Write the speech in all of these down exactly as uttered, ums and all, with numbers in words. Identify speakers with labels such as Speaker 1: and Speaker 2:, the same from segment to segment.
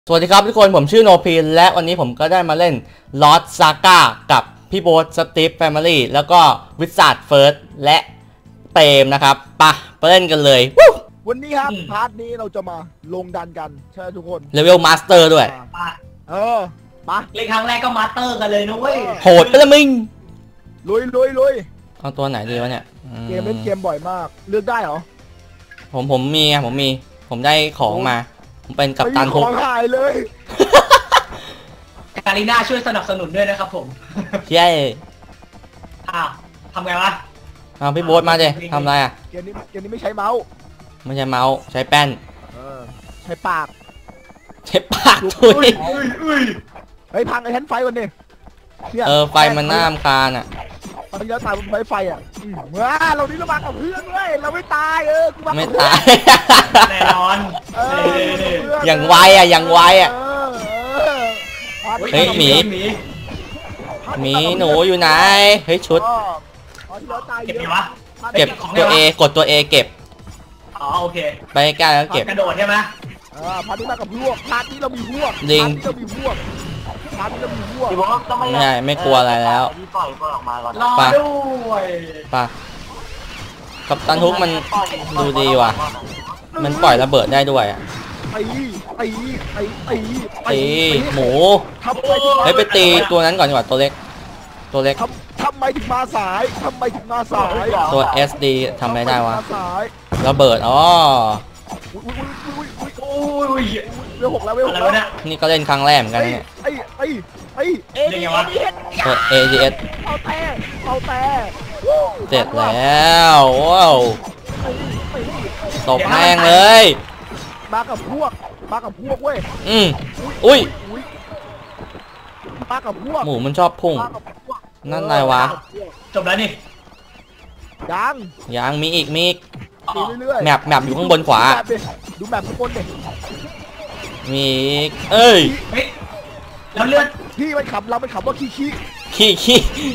Speaker 1: สวัสดีครับทุกคนผมชื่อโนพีนและวันนี้ผมก็ได้มาเล่น Lost Saga กับพี่โบ๊ทสตีฟแฟมิลี่แล้วก็วิสาดเฟิร์สและเตมนะครับปะไปเล่นกันเลย
Speaker 2: วันนี้ครับพาร์ทนี้เราจะมาลงดันกันใช่ทุกคน
Speaker 1: เลเวลมาสเตอร์ด้วย
Speaker 2: เออปะ
Speaker 3: เล่นครั้งแรกก็มาสเตอร์กันเลยนะเว้ย
Speaker 1: โหดไปละมึง
Speaker 2: ลุยลุยลุย
Speaker 1: เอาตัวไหนดีวะเนี่ย
Speaker 2: เกมเล่นเกมบ่อยมากเลือกได้เหรอ
Speaker 1: ผมผมมีผมมีผมได้ของมาผมเป็นกัปตัน
Speaker 2: ทุกของหายเลย
Speaker 3: การีน่าช่วยสนับสนุนด้วยนะครับผม
Speaker 1: ใช่
Speaker 3: อ้าวทำไงวะ
Speaker 1: เอาพี่โบ๊ทมาดิทำไรอ่ะ
Speaker 2: เกมนี้เกมนี้ไม่ใช้เมาส์
Speaker 1: ไม่ใช่เมาส์ใช้แป้น
Speaker 2: ใช้ปาก
Speaker 1: ใช้ปากทุย
Speaker 2: เฮ้ยพังไอ้แท่นไฟวันนี้
Speaker 1: เออไฟมันน่ารำคาญอ่ะ
Speaker 2: ตอนนี้เราตายบนไฟไฟอ่ะเมื่อเรานี่เรามากับเพื่อนเลยเราไม่ตายเออกูมา
Speaker 1: ไม่ตาย
Speaker 3: แน่นอน
Speaker 1: อย่างไวอ่ะอย่างไวอ่ะเฮ้ยหมีหมีหนูอยู่ไหนเฮ้ยชุด
Speaker 3: เก็บวะ
Speaker 1: เก็บตัว A กดตัว A เก็บ
Speaker 3: อ๋อโอเค
Speaker 1: ไปใกล้แล้วเก็บ
Speaker 3: กระโดดใช่ไหม
Speaker 2: อ่าพาร์ทนี้มากับพวกพาร์ทนี้เรามีพวก
Speaker 1: ลิง
Speaker 2: เรามีพวกพาร์ทนี้เรามีพวก
Speaker 1: ไม่ใช่ไม่กลัวอะไรแล้ว
Speaker 3: รอด้วย
Speaker 1: ป่ะกัปตันฮุกมันดูดีว่ะมันปล่อยระเบิดได้ด้วยอ่ะ
Speaker 2: ตีตีตีตี
Speaker 1: ตีหมูเฮ้ยไปตีตัวนั้นก่อนดีกว่าตัวเล็กตัวเล็ก
Speaker 2: ทำไมถึงมาสายทำไมถึงมาสาย
Speaker 1: ตัว เอส ดี ทำอะไรได้วะระเบิดอ๋อ
Speaker 2: เวลหกแล้วเวลหกแล้ว
Speaker 1: นี่ก็เล่นครั้งแรกเหมือนกันเนี่ย
Speaker 2: ไอ้ไอ้ไอ้เอเดียส
Speaker 1: เอเอเดียส
Speaker 2: เอาแต่เอาแต่
Speaker 1: เสร็จแล้วว้าวตบแม่งเลย
Speaker 2: มากับพวกมากับพวกเว้ย
Speaker 1: อืมอุ้ย
Speaker 2: มากับพวก
Speaker 1: หมูมันชอบพุ่งนั่นอะไรวะ
Speaker 3: จบแล้วนี่
Speaker 2: ยัง
Speaker 1: ยังมีอีกมีอีกแมปแมปอยู่ข้างบนขวา
Speaker 2: ดูแมปข้างบนดิ
Speaker 1: มีอีกเอ้ย
Speaker 3: แล้วเลือด
Speaker 2: พี่มันขับเราไปขับว่าขี้ขี้
Speaker 1: ขี้ขี้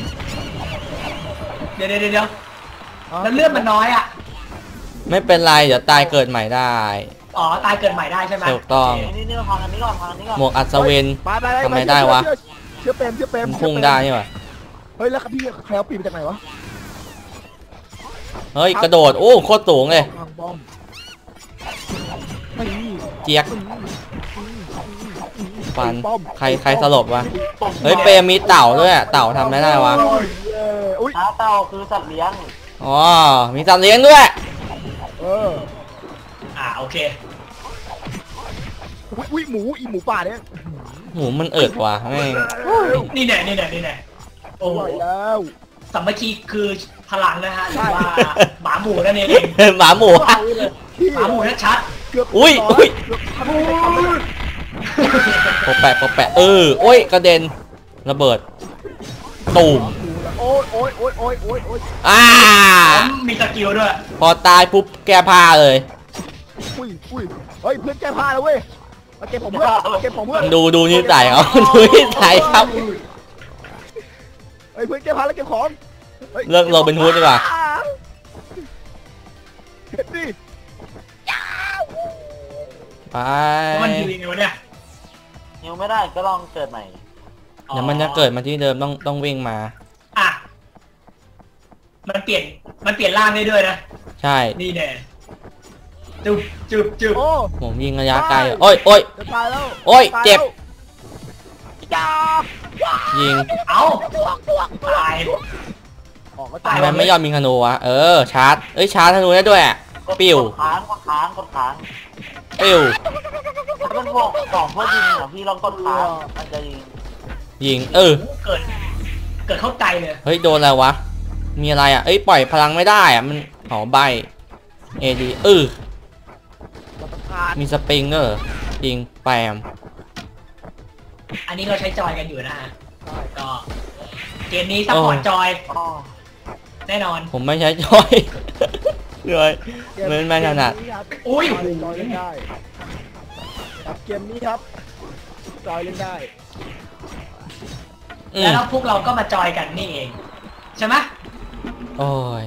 Speaker 3: เดี๋ยวเดี๋ยวเดี๋ยวแล้วเลือดมันน้อยอ่ะ
Speaker 1: ไม่เป็นไรเดี๋ยวตายเกิดใหม่ได้
Speaker 3: อ๋อตายเกิดใหม่ได้ใช่ไหม
Speaker 1: ถูกต้องหมวกอัศวินทำไมได้วะ
Speaker 2: เชื่อเปรมเชื่อเปรม
Speaker 1: พุ่งได้ใช่ไหม
Speaker 2: เฮ้ยแล้วพี่ใครเอาปีนมาจากไหนวะ
Speaker 1: เฮ้ยกระโดดโอ้โคตรสูงเลยเจี๊ยกฟันใครใครสลบวะเฮ้ยเปรมมีเต่าด้วยเต่าทำไม่ได้วะ
Speaker 3: เต่าคือสัตว์เลี้ยง
Speaker 1: อ๋อมีสัตว์เลี้ยงด้วย
Speaker 2: เออ
Speaker 3: อ่าโอเค
Speaker 2: อุ้ยหมูอีหมูป่าเนี่ย
Speaker 1: หมูมันเอิดว่ะแม่ง
Speaker 3: นี่แน่นี่แน่นี่แน่โอ้
Speaker 2: ยแล้ว
Speaker 3: สามัคคีคือพลังนะฮะว่าหมาหมูนั่นเอง
Speaker 1: หมาหมู
Speaker 3: หมาหมูชัด
Speaker 1: อุ้ยอุ้ยปะแปะปะแปะเออโอ้ยกระเด็นระเบิดตูม
Speaker 2: โอ้ยโอ้ยโอ้ยโอ้ยโอ้ยโอ้ย
Speaker 1: อ่า
Speaker 3: มีสกิลด้วย
Speaker 1: พอตายปุ๊บแก้ผ้าเลย
Speaker 2: อุ้ยอุ้ยเฮ้ยเพื่อนแก้ผ้าแล้วเว้ยเก็บผมเพื่อนเก็บผมเพื่อน
Speaker 1: ดูดูนิสัยเขาดูนิสัยครับ
Speaker 2: เฮ้ยเพื่อนแก้ผ้าแล้วเก็บของ
Speaker 1: เลิกเราเป็นฮูดดีกว่า
Speaker 2: เก็บดิ
Speaker 1: ไป
Speaker 3: มันยิงยังไงวะเนี่ย
Speaker 4: ยิงไม่ได้ก็ลองเกิดใหม่
Speaker 1: เดี๋ยวมันจะเกิดมาที่เดิมต้องต้องวิ่งมา
Speaker 3: อ่ะมันเปลี่ยนมันเปลี่ยนร่างได้ด้วยนะ
Speaker 1: ใช่
Speaker 3: นี่แน่จุบจุบจุบ
Speaker 1: ผมยิงระยะไกลโอ้ยโอ้ย
Speaker 2: จะตายแล้ว
Speaker 1: โอ้ยเจ็บยิง
Speaker 3: เอาตาย
Speaker 1: ทำไมไม่ยอมมีธนูวะเออชาร์จเอ้ยชาร์จธนูได้ด้วยปิ้ว
Speaker 4: ค้างกดค้างกดค้าง
Speaker 1: ปิ้ว
Speaker 4: ถ้าเป็นพวกสองพวกยิงเหรอพี่ลองกดค้างมันจะยิง
Speaker 1: ยิงเออ
Speaker 3: เกิดเกิดเข้าใจเลย
Speaker 1: เฮ้ยโดนอะไรวะมีอะไรอ่ะเอ้ยปล่อยพลังไม่ได้อ่ะมันหอใบเอดีเออมีสปริงเกอร์ยิงแปม
Speaker 3: อันนี้เราใช้จอยกันอยู่นะฮะก็เกมนี้ซัพพอร์ตจอยแน่นอน
Speaker 1: ผมไม่ใช้จอยเลยมันไม่ถนัด
Speaker 3: อุ้ย
Speaker 2: จอยเล่นได้เกมนี้ครับจอยเล่นได้
Speaker 3: แล้วพวกเราก็มาจอยกันนี่เองใช่ไหม
Speaker 1: โอ้ย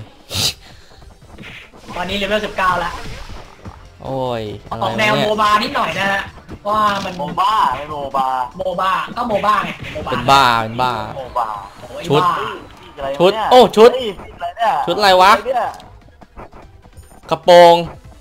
Speaker 3: ตอนนี้เลเวลสิบเก้าแล้ว
Speaker 1: โอ้ย
Speaker 3: ออกแนวโมบานิดหน่อยนะฮะว่ามัน
Speaker 4: โมบ้าไม่โมบา
Speaker 3: โมบ้าก็โมบ้าไงโมบ้า
Speaker 1: เป็นบ้าเป็นบ้า
Speaker 4: โมบา
Speaker 3: โอ้ย
Speaker 1: ชุด
Speaker 3: บ้า
Speaker 4: อะไร
Speaker 1: ชุด
Speaker 4: เนี่ย
Speaker 1: โอ้ชุด
Speaker 4: เฮ้ยอะไรเนี่ย
Speaker 1: ชุดอะไรวะ
Speaker 4: เนี่ย
Speaker 1: กระโปรง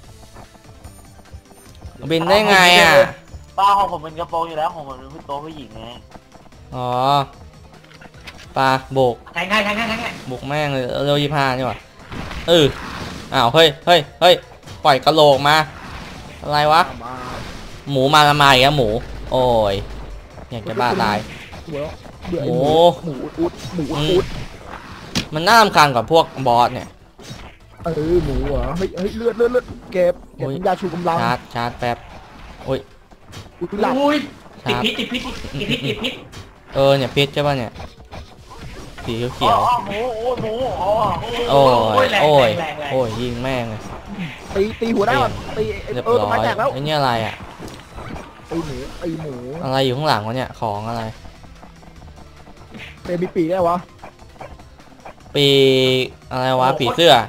Speaker 1: บินได้ไงอ่ะ
Speaker 4: ป้าของผมเป็นกระโปรงอยู่แล้วของผมเป็นตัวผู้หญิงไง
Speaker 1: อ๋อปลาโบก
Speaker 3: แทงให้แทงให้แทงให้
Speaker 1: โบกแม่งเลยเร็วยี่ห้านี่หว่าเอออ้าวเฮ้ยเฮ้ยเฮ้ยปล่อยกระโหลกมาอะไรวะ
Speaker 2: มา
Speaker 1: หมูมาละมาอีกแล้วหมู โอ้ยอยากจะบ้าตาย
Speaker 2: เบื่อเบื่อ
Speaker 1: หมู
Speaker 2: หมูอุดหมู
Speaker 1: อืม
Speaker 2: อุด
Speaker 1: มันน่ารำคาญกว่าพวกบอสเนี่ย
Speaker 2: เออหมูเหรอเฮ้ยเฮ้ยเลือดเลือดเลือดเก็บเก็บ
Speaker 1: โอ้ย
Speaker 2: ยาชูกำลัง
Speaker 1: ชาร์จชาร์จแป๊บโอ้ย
Speaker 2: อุดหลับ
Speaker 3: อุ้ยติด
Speaker 1: ครับ
Speaker 3: พิษติดพิษติดพิษติดพิษ
Speaker 1: เออเนี่ยพิษใช่ป่ะเนี่ยสีเขียว
Speaker 4: อ๋อหมูโอ้ยหมูอ๋อ
Speaker 1: ๆโอ้ย
Speaker 3: แรง
Speaker 1: โอ้ย
Speaker 3: แรงแรง
Speaker 1: โอ้ยยิงแม่งเลย
Speaker 2: ตีตีหัวได้ก่อนตี
Speaker 1: เรียบ
Speaker 2: เออ
Speaker 1: ร้
Speaker 2: ต้น
Speaker 1: อ
Speaker 2: ไม้
Speaker 1: ย
Speaker 2: แตกแล้ว
Speaker 1: ไอ้นี่อะไรอ่ะ
Speaker 2: ตีหมูตีหมู
Speaker 1: อะไรอยู่ข้างหลังวะเนี่ยของอะไร
Speaker 2: เตะมีปีกได้วะ
Speaker 1: ปีอะไรวะปีเสื้อ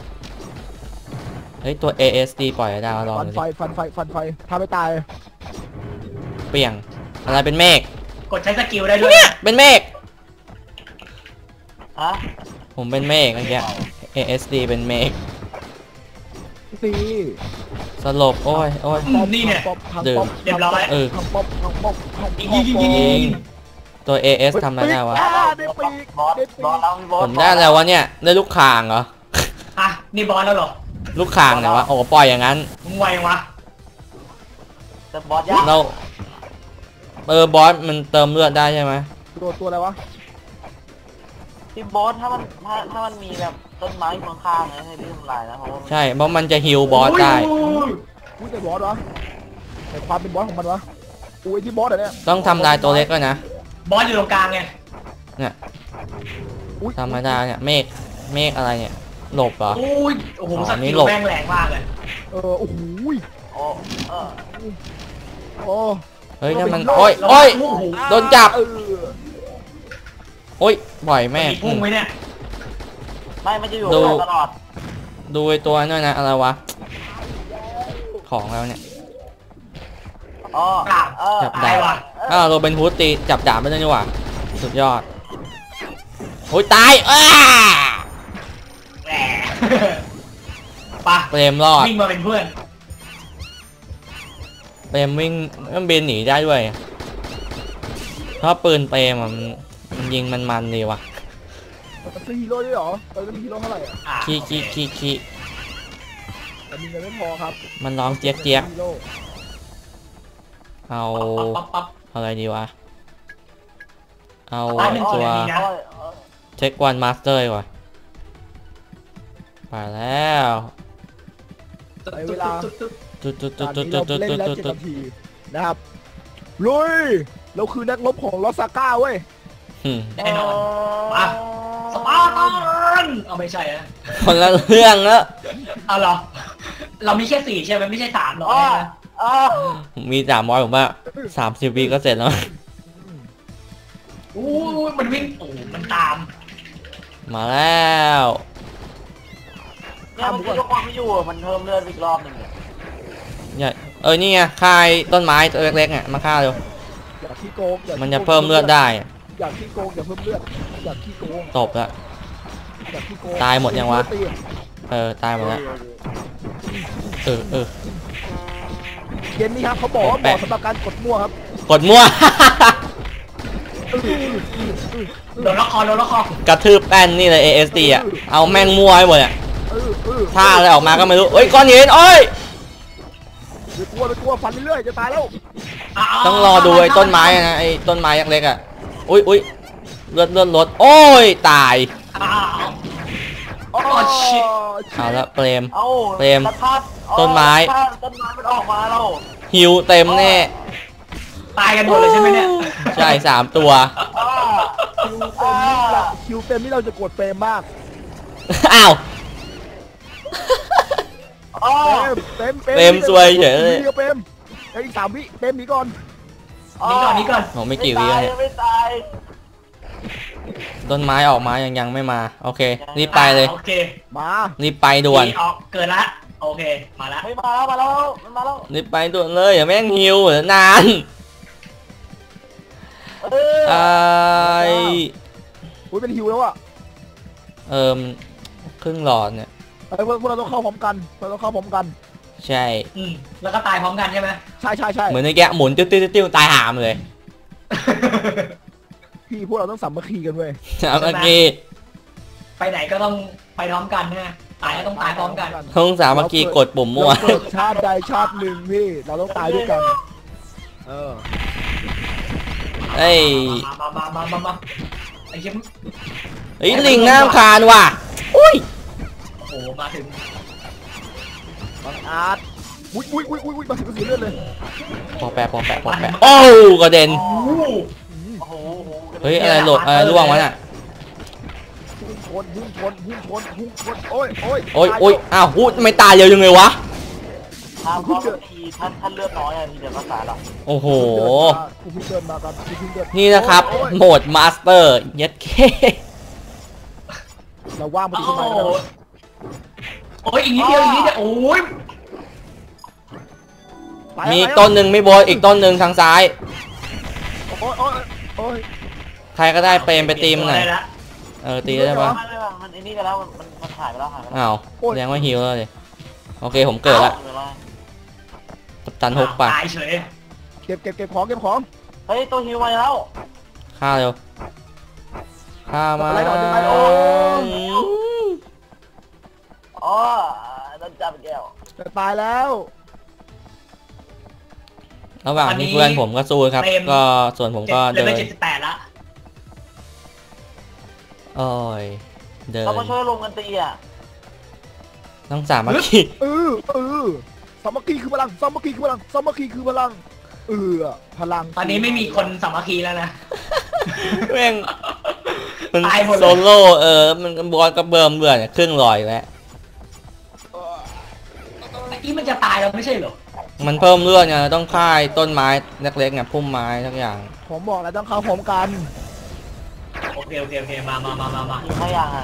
Speaker 1: เฮ้ยตัว เอ เอส ดี ปล่อยได้มาลอง
Speaker 2: ฟัน
Speaker 1: ดู
Speaker 2: ไฟ
Speaker 1: ดิ
Speaker 2: ฟันไฟฟันไฟถ้าไม่ตาย
Speaker 1: เปลี่ยงอะไรเป็นเมฆ
Speaker 3: กดใช้สกิลได้ด้วย
Speaker 1: เป็นเมฆ
Speaker 4: ฮะ
Speaker 1: ผมเป็นเมฆเมื่อกี้ เอ เอส ดี เป็นเมฆ
Speaker 2: ตี
Speaker 1: สลบโอ้ยโอ้ย
Speaker 3: อืมนี่เนี่ย
Speaker 2: ป๊อปพัง
Speaker 1: ดื่ม
Speaker 2: ป๊อป
Speaker 3: เรียบร้อย
Speaker 1: เออ
Speaker 2: พังป๊อปพังป๊อปพังป๊อป
Speaker 3: ยิงยิงยิงยิงยิง
Speaker 1: ตัว เอ เอส ทำอะไรได้วะ
Speaker 2: อ่าได้ปีก
Speaker 4: บอส
Speaker 2: ได้ปี
Speaker 4: บอส
Speaker 2: ก
Speaker 4: เรามีบอส
Speaker 1: ผมได้แล้ววะเนี่ย ได้ลูกคางเหรอ
Speaker 3: อ่ะนี่บอลแล้วเหรอ
Speaker 1: ลูกคางไหนวะ โอ้ปล่อยอย่างนั้น
Speaker 3: มึงไววะ
Speaker 4: แต่บอสยาก
Speaker 1: เราเออบอสมันเติมเลือดได้ใช่ไหม
Speaker 2: ตัวตัวอะไรวะ
Speaker 4: ที่บอสถ้ามันถ้าถ้ามันมีแบบต้นไม้อยู่ข้างๆนะให้พี่ทำลายนะเพราะว่า
Speaker 1: ใช่ เพราะมันจะฮิลบอสได้
Speaker 3: อุ้ย
Speaker 2: อุ้ยแต่บอสวะแต่ความเป็นบอสของมันวะอุ้ยที่บอสเหรอเนี่ย
Speaker 1: ต้องทำลายตัวเล็กก็นะ
Speaker 3: บอลอยู่ตรงกลางไง
Speaker 1: เนี่ย
Speaker 2: อุ้ย
Speaker 1: ทำไม่ได้เนี่ยเมฆเมฆอะไรเนี่ย หลบเหรอ
Speaker 3: อุ้ยโอ้โห
Speaker 1: อ๋อ
Speaker 3: ส
Speaker 1: นี่
Speaker 3: กิล
Speaker 1: หลบ
Speaker 3: แม่งแรงมากเลย
Speaker 2: เออโอ้โห
Speaker 4: โอ้เออ
Speaker 2: โอ้
Speaker 1: เฮ้ยนั่นมันโอ้ยโอ้ย
Speaker 3: โอ้โห
Speaker 1: โดนจับ
Speaker 2: เออ
Speaker 1: โอ้ยปล่อยแม่ง
Speaker 3: มีพุ่งไหมเนี่ย
Speaker 4: ไม่มันจะอยู่
Speaker 1: ดู
Speaker 4: กับเราตลอด
Speaker 1: ดูไอ้ตัวนั่นนะอะไรวะ ของแล้วเนี่ย
Speaker 4: อ๋อ
Speaker 3: ปราบ
Speaker 4: เออ
Speaker 1: จับ
Speaker 3: ตา
Speaker 1: ได้
Speaker 3: ยว่ะ
Speaker 1: อ้าวโรเบนฮูดตีจับดาบไม่ได้นี่หว่า สุดยอด โอ้ยตายอ้า
Speaker 3: แหมปะ
Speaker 1: เปรมรอด
Speaker 3: วิ่งมาเป็นเพื่อน
Speaker 1: เปรมวิ่งมันบินหนีได้ด้วยเพราะปืนเปรมอะมันมันยิงมันมันดีว่ะ
Speaker 2: มันซื้อฮีโร่ด้วยเหรอตอนนี้มีฮีโร่เท่าไหร่อ่ะ
Speaker 3: อ่ะ
Speaker 1: ขี้ขี้ขี้ขี้
Speaker 2: แต่มีเงินไม่พอครับ
Speaker 1: มันร้องเจี๊ยกเจี๊ยก
Speaker 2: ฮีโร่
Speaker 1: เอา
Speaker 3: ปั๊บปั๊บปั๊บ
Speaker 1: อะไรดีวะ เอา
Speaker 3: ร้อยหนึ่ง
Speaker 1: ตัว
Speaker 3: ดีนะ
Speaker 4: โอ้ยเออ
Speaker 1: เช็ควันมาสเตอร์ดีกว่าไปแล้ว
Speaker 2: ในเวลา
Speaker 1: ตุ๊ดตุ๊ด
Speaker 2: ต
Speaker 1: ตุ๊
Speaker 2: อ
Speaker 1: ด
Speaker 2: น
Speaker 1: ตุ๊ด
Speaker 2: นี้
Speaker 1: ตุ๊ด
Speaker 2: เรา
Speaker 1: ตุ๊ด
Speaker 2: เล่น
Speaker 1: ตุ๊ด
Speaker 2: แล้ว
Speaker 1: ตุ๊ด
Speaker 2: เจ็ดนาทีนะครับลุยเราคือนักรบของลอสซาก้าเว้ย
Speaker 1: อืม
Speaker 3: แน่นอนมาสปาร์ตันเอาไม่ใช่อะ
Speaker 1: คนละเรื่องแล้ว
Speaker 3: เอาเหรอ เรามีแค่สี่ใช่ไหมไม่ใช่สามหรอก
Speaker 4: อ๋อ
Speaker 3: นะ
Speaker 4: อ๋อ
Speaker 1: มีสามร้อยผมว่าสามสิบวิก็เสร็จแล้ว
Speaker 3: อู้ยมันวิ่งโอ้โหมันตาม
Speaker 1: มาแล้ว
Speaker 4: เนี่ยมันยกความไม่อยู่อะมันเพิ่มเลือดอีกรอบหนึ่งเนี่ย
Speaker 1: เนี่ยเออนี่ไงคายต้นไม้ตัวเล็กๆเนี่ยมาฆ่าเร็ว
Speaker 2: อย่าขี้โกงอย่า
Speaker 1: มันจะเพิ่มเลือดได้
Speaker 2: อย่าขี้โกงอย่าเพิ่มเลือดอย่าขี้โกง
Speaker 1: ตบละ
Speaker 2: อย่าขี้โกง
Speaker 1: ตายหมดยังวะ
Speaker 2: ตี
Speaker 1: เออตายหมดแล้วเออเออ
Speaker 2: เกมนี้ครับเขาบอกว่าเห
Speaker 1: แปะ
Speaker 2: มาะสำหรับการกดมั่วครับ
Speaker 1: กดมั่ว
Speaker 3: โดนละครโดนละคร
Speaker 1: กระทืบแป้นนี่เลย เอ เอส ดี อ่ะเอาแม่งมั่วให้หมดอ่ะ
Speaker 2: เออเออ
Speaker 1: ท่าอะไรออกมาก็ไม่รู้เอ้ยก้อนหินโอ้ย
Speaker 2: อย่ากลัวไปกลัวฟันเรื่อยๆจะตายแล้ว
Speaker 1: ต้องรอดูไอ้ต้นไม้อะนะไอ้ต้นไม้เล็กๆอ่ะอุ้ยอุ้ยเลือดเลือดลดโอ้ยตาย
Speaker 3: อ้าว
Speaker 2: โอ้
Speaker 3: ชิต
Speaker 1: เอาละเปรม
Speaker 4: เอ้า
Speaker 1: เปรม
Speaker 4: ตะพัดอ๋อ
Speaker 1: ต้นไม้
Speaker 4: ถ้าต้นไม้มันออกมาแล้ว
Speaker 1: หิวเต็มแน่
Speaker 3: ตายกันหมดเลยใช่ไหมเนี่ย
Speaker 1: ใช่สามตัว
Speaker 4: อ้า
Speaker 2: คิวเต็มนี่เราคิวเต็มนี่เราจะกดเฟรมมาก
Speaker 1: อ้าว
Speaker 4: อ้า
Speaker 2: เต็มเต็ม
Speaker 1: เต็มซวยเฉยเลย
Speaker 2: เต็มเต็มเอ้ยอีกสามวิเต็มหนีก่อน
Speaker 3: นี่ก่อนนี่ก่อน
Speaker 1: โหไม่กี่วิแล้วเนี่ย
Speaker 4: ไม่ตาย
Speaker 1: ต้นไม้ออกมายังยังไม่มาโอเครีบไปเลย
Speaker 3: อ่าโอเค
Speaker 2: มา
Speaker 1: รีบไปด่วน
Speaker 3: ออกเกิดละโอเคมาแล้ว
Speaker 4: เฮ้ยมาแล้วมาแล้วมันมาแล้ว
Speaker 1: รีบไปด่วนเลยอย่าแม่งฮิวเดี๋ยวนาน
Speaker 4: เออ
Speaker 1: ไอ
Speaker 2: อุ้ยเป็นฮิวแล้วอ่ะ
Speaker 1: เอิมครึ่งหลอดเนี่ย
Speaker 2: ไอ้พวกพวกเราต้องเข้าพร้อมกันเราต้องเข้าพร้อมกัน
Speaker 1: ใช่
Speaker 3: อืมแล้วก็ตายพร้อมกันใช่ไหม
Speaker 2: ใช่ใช่ใช่
Speaker 1: เหมือนในแกะหมุนติ้วติ้วติ้วตายหามเลย
Speaker 2: พี่พวกเราต้องสามัคคีกันเว้ย
Speaker 1: เมื่อกี้
Speaker 3: ไปไหนก็ต้องไปพร้อมกันนะตายก็ต้องตายพร้อมกัน
Speaker 1: ทงสามัคคีกดปุ่มมั่ว
Speaker 2: เราเกิดชาติใดชาติหนึ่งพี่เราต้องตายด้วยกันเออ
Speaker 1: เอ้ย
Speaker 3: มามามามามาไอ้ชิม
Speaker 1: เฮ้ยลิงน้ำคานว่ะอุ้ย
Speaker 3: โอ้โหมาถึง
Speaker 2: บังอาจอุ้ยอุ้ยอุ้ยอุ้ยมาถึงกระสือเลือดเลย
Speaker 1: พอแปะพอแปะพอแปะโอ้กระเด็น
Speaker 3: โอ้โห
Speaker 4: โอ้โห
Speaker 1: เฮ้ยอะไรหลดอะไรร่วงวะน่ะ
Speaker 2: พุ่งชนพุ่งชนพุ่งชนพุ่งชนโอ้ยโอ้ย
Speaker 1: โอ้ยโอ้ยอ้าวหูทำไมตายเร็วยังไงวะ
Speaker 4: ถ้าเขาทีท่านท่านเลือดน้อยอะทีเดียวก็ตายแล้ว
Speaker 1: โอ้โห
Speaker 2: กูเพิ่งเดินมากันกูเพิ่งเดิน
Speaker 1: นี่นะครับ
Speaker 2: โอ้ย
Speaker 1: โหมดมาสเตอร์เย็ดเค
Speaker 2: เราว่างมา
Speaker 3: โอ้
Speaker 2: ถึง
Speaker 3: โห
Speaker 2: ทำไมกัน
Speaker 3: โอ้ยอีกนิดเดียวอีกนิดเดียวโอ้ย
Speaker 2: ไปแล้ว
Speaker 1: มีต้นหนึ่งไม่โบนอีกต้นหนึ่งทางซ้าย
Speaker 2: โอ้ยโอ้ยโอ้ย
Speaker 1: ใครก็ได้เปรมไปตีมหน่อย
Speaker 3: ได้ละ
Speaker 1: เออตีได้ปะ
Speaker 4: ไม่ไม่ไม่มันไอ้นี่ไปแล้วมันมันมันหายไปแล้วหายไปแล้ว
Speaker 1: อ้าวแสดงว่าฮิวแล้วเลยโอเคผมเกิดละ
Speaker 4: เวลา
Speaker 1: กัปตันฮกปะ
Speaker 3: ตายเฉย
Speaker 2: เก็บเก็บเก็บของเก็บของ
Speaker 4: เฮ้ยตัวฮิวมาแล้ว
Speaker 1: ฆ่าเร็วฆ่ามา
Speaker 2: อะไรหน่อยได้ไหมโอ้ย
Speaker 4: อ๋อโดนจับแก้ว
Speaker 2: จะตายแล้ว
Speaker 1: ระหว่างที่เพื่อนผมก็สู้ครับ ก็ส่วนผม
Speaker 3: เจ็ด
Speaker 1: ก็
Speaker 3: เดิ
Speaker 1: เดิ
Speaker 3: น
Speaker 1: น
Speaker 3: ไปเจ็ดสิบแปดละ
Speaker 1: โอ้ยเดิน
Speaker 4: เรามาช่วยลงกันตีอ่ะ
Speaker 1: ต้องสามัคคี
Speaker 2: เออเออสามัคคีคือพลังสามัคคีคือพลังสามัคคีคือพลังเออพลัง
Speaker 3: ตอนนี้ไม่มีคนสามัคคีแล้วนะ
Speaker 1: แม่งมัน
Speaker 3: ตายหมดเลย
Speaker 1: โซโล่เออมันบอลกับเบิร์มเบื่อเนี่ยครึ่งลอยแล้ว
Speaker 3: ไอ้ที่มันจะตายแล้วไม่ใช่เหรอ
Speaker 1: มันเพิ่มเลือดไงต้องค่ายต้นไม้เล็กๆไงพุ่มไม้ทุกอย่าง
Speaker 2: ผมบอกแล้วต้องเข้าพร้อมกัน
Speaker 3: โอเคโอเคโอเคมามามามามา
Speaker 4: ยิงไม่ยังอ่ะ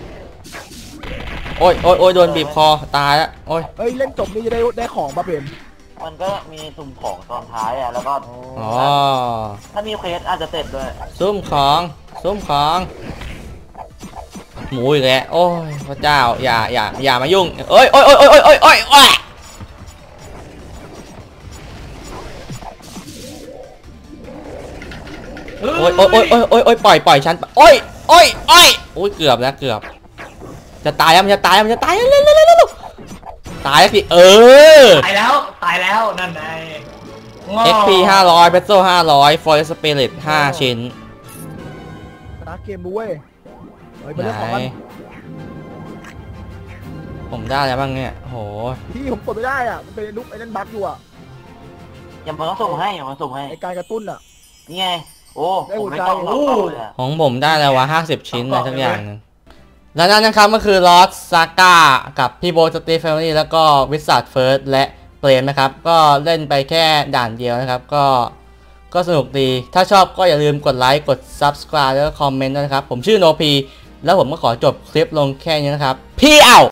Speaker 1: โอ้ยโอ้ยโอ้ยโดนบีบคอตายแล้วโอ้ย
Speaker 2: เฮ้ยเล่นจบนี่จะได้ได้ของป่ะเปรม
Speaker 4: มันก็มีสุ่มของตอนท้ายอ่ะแล้วก็
Speaker 1: อ๋อ
Speaker 4: ถ้ามีเควสอาจจะเสร็จด้วย
Speaker 1: ซุ่มของซุ่มของหมูอีกแล้วโอ้ยพระเจ้าอย่าอย่าอย่ามายุ่งเอ้ยโอ้ยโอ้ยโอ้ยโอ้ยโอ้ยโอ้ยโอ้ยโอ้ยโอ้ยโอ้ยโอ้ยโอ้ยปล่อยปล่อยฉันโอ้ยโอ้ยโอ้ยโอ้ยเกือบแล้วเกือบจะตายแล้วมันจะตายแล้วมันจะตายแล้วเร็วเร็วเร็วเร็วตายแล้วสิเออ
Speaker 3: ตายแล้วตายแล้วนั่นไง
Speaker 1: เอ็กซ์ พี ห้าร้อย เบสโซห้าร้อย Forest Spirit ห้าชิ้น
Speaker 2: นะเกมด้วยเฮ้ยไป
Speaker 1: ไหน
Speaker 2: เล่นของกัน
Speaker 1: ผมได้แล้วบ้างเนี่ยโห
Speaker 2: พี่ผมกดไม่ได้อ่ะมันเป็นลูกไอ้นั่นบั๊กอยู่อ่ะ
Speaker 4: อย่ามาส่งให้อย่ามาส่งให้
Speaker 2: ไอ้การกระตุ้นอ่ะ
Speaker 4: นี่ไงโอ้
Speaker 2: ได้
Speaker 4: ผ
Speaker 2: หั
Speaker 4: ม
Speaker 2: ว
Speaker 4: ไม่
Speaker 2: ใจ
Speaker 4: ต้องต่อเลยอะ
Speaker 1: ของผมได้แล้ววะห้าสิบชิ้นอะไรสักอย่างหนึงแล้วนั่นนะครับก็คือ Lost Saga กับพี่โบสตีฟแฟมิลี่แล้วก็วิสัทเฟิร์สและเปรมนะครับ ก็เล่นไปแค่ด่านเดียวนะครับ ก็ก็สนุกดี ถ้าชอบก็อย่าลืมกดไลค์กด Subscribe แล้วก็คอมเมนต์ด้วยนะครับ ผมชื่อโนพีแล้วผมก็ขอจบคลิปลงแค่นี้นะครับ พี่เอา